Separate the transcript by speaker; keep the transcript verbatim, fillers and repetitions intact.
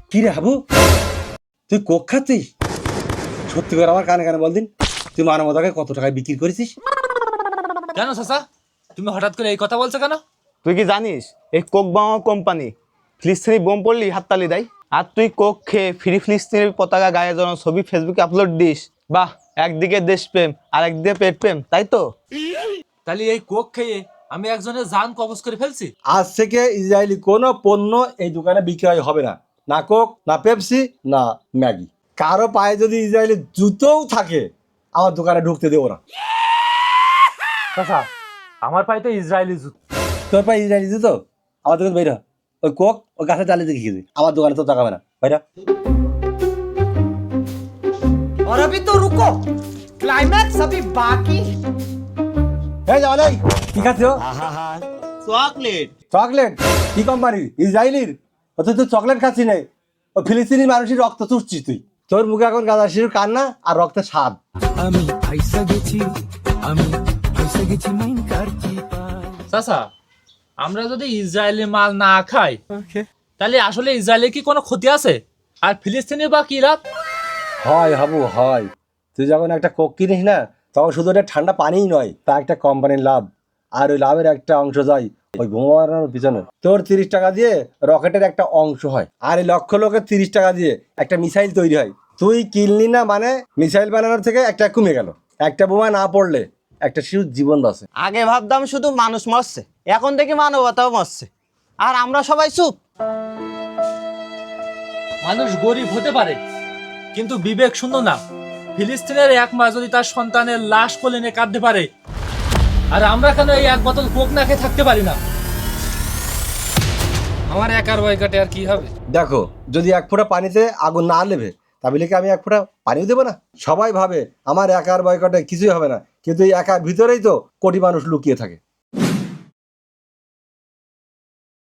Speaker 1: কি রে হাবু, তুই কোক খাচ্ছিস? সত্যি করে আমার কানে কানে বল দিন, তুই মানবতাকে কত টাকায় বিক্রি করেছিস?
Speaker 2: কেন চাচা, তুমি হঠাৎ করে এই কথা বলছো কেন?
Speaker 3: তুই কি জানিস এই কোক বামা কোম্পানি ফিলিস্তিনি বোম পড়লি হাততালি দেয়, আর তুই কোক খেয়ে ফ্রি ফিলিস্তিনের পতাকা গায়ে জড়ানো ছবি ফেসবুকে আপলোড দিস? বাহ, একদিকে দেশপ্রেম আর একদিকে পেট প্রেম, তাই তো?
Speaker 2: তাহলে এই কোক খেয়ে আমি একজনের জান কবজ করে ফেলছি?
Speaker 1: আজ থেকে ইসরায়েলি কোনো পণ্য এই দোকানে বিক্রয় হবে না, না কোক, না পেপসি, না ম্যাগি। কারো পায়ে যদি ইসরায়েলি জুতোও থাকে আমার দোকানে ঢুকতে দেবো না।
Speaker 2: চাচা, আমার পায়ে তো ইসরায়েলি জুতো।
Speaker 1: তোর পায়ে ইসরায়েলি জুতো? আমার দোকানে বাইরা, ওই কোক ওই গাছে চালিয়ে দেখে খেয়েছি, আমার দোকানে তো তাকাবে না, বাইরা।
Speaker 4: और अभी तो रुको, क्लाइमैक्स अभी बाकी।
Speaker 1: এই যাও নাই, কি খাচ্ছ?
Speaker 3: চকলেট।
Speaker 1: চকলেট? কি কোম্পানির? ইসরায়েলির? ও তুই তো চকলেট খাচ্ছি নাই, ও ফিলিস্তিনি মানুষের রক্ত চুষছিস তুই। তোর মুখে এখন গাঁদা শিশুর কান্না আর রক্তের স্বাদ।
Speaker 5: আমি ফাইসা গেছি, আমি ফাইসা গেছি মাইন কারছি।
Speaker 2: চাচা, আমরা যদি ইসরায়েলি মাল না খাই তাহলে আসলে ইসরায়েলের কি কোনো ক্ষতি আছে? আর ফিলিস্তিনি বা কি লাভ?
Speaker 1: হয় হাবু হয়, তুই যখন একটা কোক কিনিস না তখন শুধু ওটা ঠান্ডা পানিই নয়, তা একটা কোম্পানির লাভ, আর ওই লাভের একটা অংশ যায় ওই বোমা বানানোর পিছনে। তোর তিরিশ টাকা দিয়ে রকেটের একটা অংশ হয়, আর এই লক্ষ লোকের তিরিশ টাকা দিয়ে একটা মিসাইল তৈরি হয়। তুই কিনলি না মানে মিসাইল বানানোর থেকে একটা কমে গেল। একটা বোমা না পড়লে একটা শিশুর জীবন বাঁচে।
Speaker 3: আগে ভাবতাম শুধু মানুষ মরছে, এখন দেখি মানবতাও মরছে, আর আমরা সবাই চুপ।
Speaker 2: মানুষ গরিব হতে পারে কিন্তু বিবেক শূন্য না। ফিলিস্তিনের এক মা যদি তার সন্তানের লাশ কোলে নিয়ে কাঁদতে পারে, আর আমরা কেন এই এক বোতল কোক না খেয়ে থাকতে পারি না? আমার একার বয়কাটে আর কি হবে?
Speaker 1: দেখো, যদি এক ফোঁটা পানিতে আগুন না লেবে তাহলে কি আমি এক ফোঁটা পানিও দেবো না? সবাই ভাবে আমার একার বয়কটে কিছুই হবে না, কিন্তু এই একার ভিতরেই তো কোটি মানুষ লুকিয়ে থাকে।